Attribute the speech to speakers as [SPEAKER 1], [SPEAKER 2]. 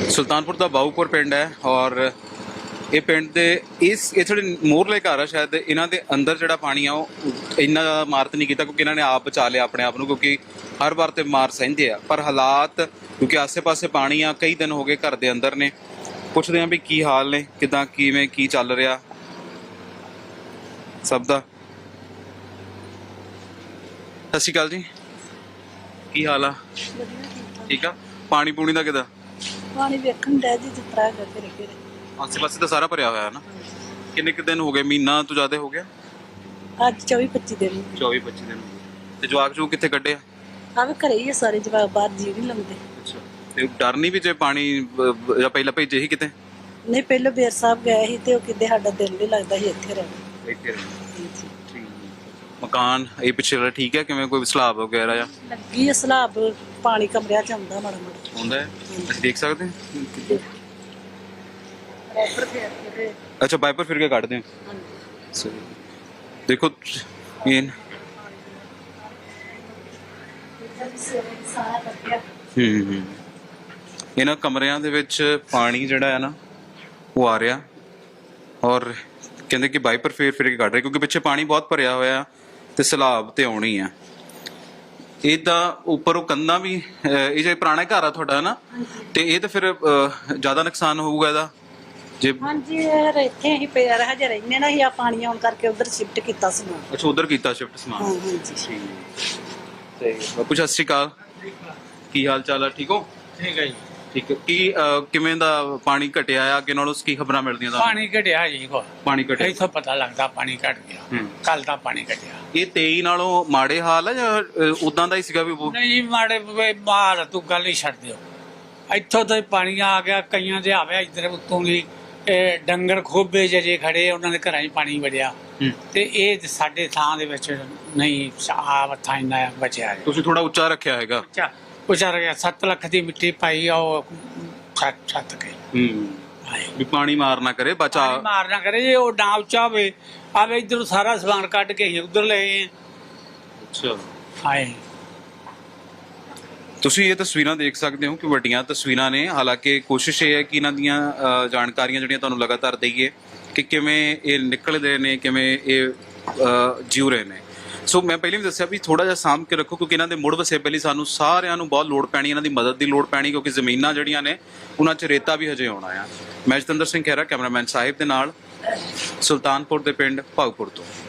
[SPEAKER 1] ਸੁਲਤਾਨਪੁਰ ਦਾ ਬਾਊਪੁਰ ਪਿੰਡ ਹੈ ਔਰ ਇਹ ਪਿੰਡ ਦੇ ਇਹ ਥੋੜੇ ਮੋਰਲੇ ਘਰ ਆ ਸ਼ਾਇਦ ਇਹਨਾਂ ਦੇ ਅੰਦਰ ਜਿਹੜਾ ਪਾਣੀ ਆ ਉਹ ਇੰਨਾ ਜ਼ਿਆਦਾ ਮਾਰਤ ਨਹੀਂ ਕੀਤਾ ਕਿਉਂਕਿ ਇਹਨਾਂ ਨੇ ਆਪ ਬਚਾ ਲਿਆ ਆਪਣੇ ਆਪ ਨੂੰ, ਕਿਉਂਕਿ ਹਰ ਵਾਰ ਤੇ ਮਾਰ ਸਹਿੰਦੇ ਆ। ਪਰ ਹਾਲਾਤ ਕਿਉਂਕਿ ਆਸੇ-ਪਾਸੇ ਪਾਣੀ ਆ, ਕਈ ਦਿਨ ਹੋ ਗਏ ਘਰ ਦੇ ਅੰਦਰ ਨੇ। ਪੁੱਛਦੇ ਆ ਵੀ ਕੀ ਹਾਲ ਨੇ, ਕਿਦਾਂ ਕਿਵੇਂ ਕੀ ਚੱਲ ਰਿਹਾ ਸਭ ਦਾ। ਸਤਿ ਸ਼੍ਰੀ ਅਕਾਲ ਜੀ, ਕੀ ਹਾਲ ਆ? ਠੀਕ ਆ। ਪਾਣੀ ਪੂਣੀ ਦਾ ਕਿਦਾਂ?
[SPEAKER 2] ਪਾਣੀ ਵੇਖਣ ਦਾ ਜੀ ਜਿਸ ਤਰ੍ਹਾਂ ਦਾ ਫਿਰ
[SPEAKER 1] ਆਸੇ ਪਾਸੇ ਤਾਂ ਸਾਰਾ ਭਰਿਆ ਹੋਇਆ ਹੈ ਨਾ। ਕਿੰਨੇ ਕੁ ਦਿਨ ਹੋ ਗਏ? ਮਹੀਨਾ ਤੋਂ ਜ਼ਿਆਦਾ ਹੋ ਗਿਆ?
[SPEAKER 2] ਅੱਜ 24-25 ਦਿਨ
[SPEAKER 1] 24-25 ਦਿਨ। ਤੇ ਜਵਾਕ ਜੂ ਕਿੱਥੇ ਕੱਢੇ ਆ?
[SPEAKER 2] ਆਵੇ ਘਰੇ ਹੀ ਆ ਸਾਰੇ ਜਵਾਕ, ਬਾਹਰ ਜੀ ਨਹੀਂ ਲਾਉਂਦੇ।
[SPEAKER 1] ਅੱਛਾ, ਤੇ ਡਰ ਨਹੀਂ ਵੀ ਜੇ ਪਾਣੀ ਜਾਂ ਪਹਿਲਾਂ ਭੇਜੇ ਸੀ ਕਿਤੇ?
[SPEAKER 2] ਨਹੀਂ, ਪਹਿਲਾਂ ਬੇਰ ਸਾਹਿਬ ਗਏ ਸੀ ਤੇ ਉਹ ਕਿਤੇ ਸਾਡਾ ਦਿਲ ਨਹੀਂ ਲੱਗਦਾ ਸੀ ਇੱਥੇ ਰਹਿਣਾ।
[SPEAKER 1] ਇੱਥੇ ਠੀਕ। ਮਕਾਨ ਇਹ ਪਿੱਛੇ ਵਾਲਾ ਠੀਕ ਹੈ? ਕਿਵੇਂ ਕੋਈ ਸਲਾਬ ਵਗੈਰਾ ਜਾਂ
[SPEAKER 2] ਲੱਗੀ ਸਲਾਬ? ਪਾਣੀ ਕਮਰਿਆਂ ਚ ਆਉਂਦਾ ਮਾੜਾ ਮਾੜਾ
[SPEAKER 1] ਆਉਂਦਾ ਹੈ? ਅਸੀਂ ਦੇਖ ਸਕਦੇ ਹਾਂ?
[SPEAKER 2] ਵਾਈਪਰ ਫੇਰ ਕੇ
[SPEAKER 1] ਅੱਛਾ, ਵਾਈਪਰ ਫਿਰ ਕੇ ਕੱਢਦੇ ਹਾਂ।
[SPEAKER 2] ਹਾਂਜੀ,
[SPEAKER 1] ਦੇਖੋ ਇਹ
[SPEAKER 2] ਸਾਰਾ ਕੱਢਿਆ।
[SPEAKER 1] ਇਹਨਾਂ ਕਮਰਿਆਂ ਦੇ ਵਿੱਚ ਪਾਣੀ ਜਿਹੜਾ ਹੈ ਨਾ ਉਹ ਆ ਰਿਹਾ ਔਰ ਕਹਿੰਦੇ ਕਿ ਵਾਈਪਰ ਫੇਰ ਕੇ ਕੱਢ ਰਹੇ ਕਿਉਂਕਿ ਪਿੱਛੇ ਪਾਣੀ ਬਹੁਤ ਭਰਿਆ ਹੋਇਆ ਤੇ ਸਲਾਬ ਤੇ ਆਉਣੀ ਆ। ਇਹਦਾ ਉੱਪਰ ਉਹ ਕੰਧਾਂ ਵੀ ਇਹ ਜੇ ਪੁਰਾਣਾ ਘਰ ਆ ਤੁਹਾਡਾ ਨਾ, ਤੇ ਇਹ ਤਾਂ ਫਿਰ ਜ਼ਿਆਦਾ ਨੁਕਸਾਨ ਹੋਊਗਾ ਇਹਦਾ ਜੇ।
[SPEAKER 2] ਹਾਂਜੀ, ਇਹ ਇੱਥੇ ਹੀ ਪਿਆ ਰਿਹਾ ਜੇ ਰਹਿੰਦੇ ਨਾ, ਆ ਪਾਣੀ ਆਉਣ ਕਰਕੇ ਉਧਰ ਸ਼ਿਫਟ ਕੀਤਾ ਸੀ।
[SPEAKER 1] ਅੱਛਾ, ਉਧਰ ਕੀਤਾ ਸ਼ਿਫਟ ਸਮਾਨ।
[SPEAKER 2] ਹਾਂਜੀ।
[SPEAKER 1] ਤੇ ਬਾਪੂ ਸਤਿ ਸ਼੍ਰੀ ਅਕਾਲ, ਕੀ ਹਾਲ ਚਾਲ ਆ? ਠੀਕ ਹੋ?
[SPEAKER 3] ਠੀਕ ਹੈ ਜੀ।
[SPEAKER 1] ਠੀਕ ਹੈ। ਕੀ ਕਿਵੇਂ ਦਾ ਪਾਣੀ ਘਟਿਆ ਆ ਅੱਗੇ ਨਾਲੋਂ? ਕੀ ਖਬਰਾਂ ਮਿਲਦੀਆਂ ਤੁਹਾਨੂੰ?
[SPEAKER 3] ਪਾਣੀ ਘਟਿਆ ਜੀ, ਕੋ
[SPEAKER 1] ਪਾਣੀ ਘਟਿਆ
[SPEAKER 3] ਇੱਥੋਂ ਪਤਾ ਲੱਗਦਾ ਪਾਣੀ ਘਟ ਗਿਆ। ਕੱਲ ਦਾ ਪਾਣੀ ਘਟਿਆ।
[SPEAKER 1] ਇਹ 23 ਨਾਲੋਂ ਮਾੜੇ ਹਾਲ ਆ ਜਾਂ ਉਦਾਂ ਦਾ ਹੀ ਸੀਗਾ ਵੀ ਉਹ?
[SPEAKER 3] ਨਹੀਂ ਮਾੜੇ ਮਾਰ ਤੂੰ ਗੱਲ ਹੀ ਛੱਡ ਦਿਓ। ਇੱਥੋਂ ਤਾਂ ਪਾਣੀ ਆ ਗਿਆ, ਕਈਆਂ ਦੇ ਆਵੇ ਇੱਧਰ ਉੱਤੋਂ ਦੀ ਡੰਗਰ ਖੋਬੇ ਜੇ ਖੜੇ, ਉਹਨਾਂ ਦੇ ਘਰਾਂ 'ਚ ਪਾਣੀ ਵੜਿਆ। ਤੇ ਇਹ ਸਾਡੇ ਥਾਂ ਦੇ ਵਿੱਚ ਨਹੀਂ ਆ ਥਾਂ ਇੰਨਾ ਬਚਿਆ।
[SPEAKER 1] ਤੁਸੀਂ ਥੋੜਾ ਉੱਚਾ ਰੱਖਿਆ ਹੈਗਾ?
[SPEAKER 3] ਉੱਚਾ ਗਿਆ। 7 ਲੱਖ ਦੀ ਮਿੱਟੀ ਪਾਈ ਆ ਉਹ ਛੱਤ ਕੇ।
[SPEAKER 1] ਵੀ ਪਾਣੀ ਮਾਰ ਨਾ ਕਰੇ, ਬਚਾ
[SPEAKER 3] ਮਾਰ ਨਾ ਕਰੇ ਜੇ ਉਹ ਨਾ ਉੱਚਾ ਹੋਵੇ। ਆਵੇ ਇੱਧਰ ਸਾਰਾ ਸਮਾਨ ਕੱਢ ਕੇ ਅਸੀਂ ਉੱਧਰ ਲਏ।
[SPEAKER 1] ਅੱਛਾ,
[SPEAKER 3] ਹਾਏ
[SPEAKER 1] ਤੁਸੀਂ ਇਹ ਤਸਵੀਰਾਂ ਦੇਖ ਸਕਦੇ ਹੋ ਕਿ ਵੱਡੀਆਂ ਤਸਵੀਰਾਂ ਨੇ। ਹਾਲਾਂਕਿ ਕੋਸ਼ਿਸ਼ ਇਹ ਹੈ ਕਿ ਇਹਨਾਂ ਦੀਆਂ ਜਾਣਕਾਰੀਆਂ ਜਿਹੜੀਆਂ ਤੁਹਾਨੂੰ ਲਗਾਤਾਰ ਦਈਏ ਕਿ ਕਿਵੇਂ ਇਹ ਨਿਕਲਦੇ ਨੇ, ਕਿਵੇਂ ਇਹ ਜਿਉ ਰਹੇ ਨੇ। ਸੋ ਮੈਂ ਪਹਿਲਾਂ ਵੀ ਦੱਸਿਆ ਵੀ ਥੋੜਾ ਜਿਹਾ ਸਾਂਭ ਕੇ ਰੱਖੋ ਕਿਉਂਕਿ ਇਹਨਾਂ ਦੇ ਮੁੜ ਵਸੇਬੇ ਲਈ ਸਾਨੂੰ ਸਾਰਿਆਂ ਨੂੰ ਬਹੁਤ ਲੋੜ ਪੈਣੀ, ਇਹਨਾਂ ਦੀ ਮਦਦ ਦੀ ਲੋੜ ਪੈਣੀ ਕਿਉਂਕਿ ਜ਼ਮੀਨਾਂ ਜਿਹੜੀਆਂ ਨੇ ਉਹਨਾਂ 'ਚ ਰੇਤਾ ਵੀ ਹਜੇ ਆਉਣਾ ਆ। ਮੈਂ ਜਤਿੰਦਰ ਸਿੰਘ ਖਹਿਰਾ, ਕੈਮਰਾਮੈਨ ਸਾਹਿਬ ਦੇ ਨਾਲ, ਸੁਲਤਾਨਪੁਰ ਦੇ ਪਿੰਡ ਭਾਊਪੁਰ ਤੋਂ।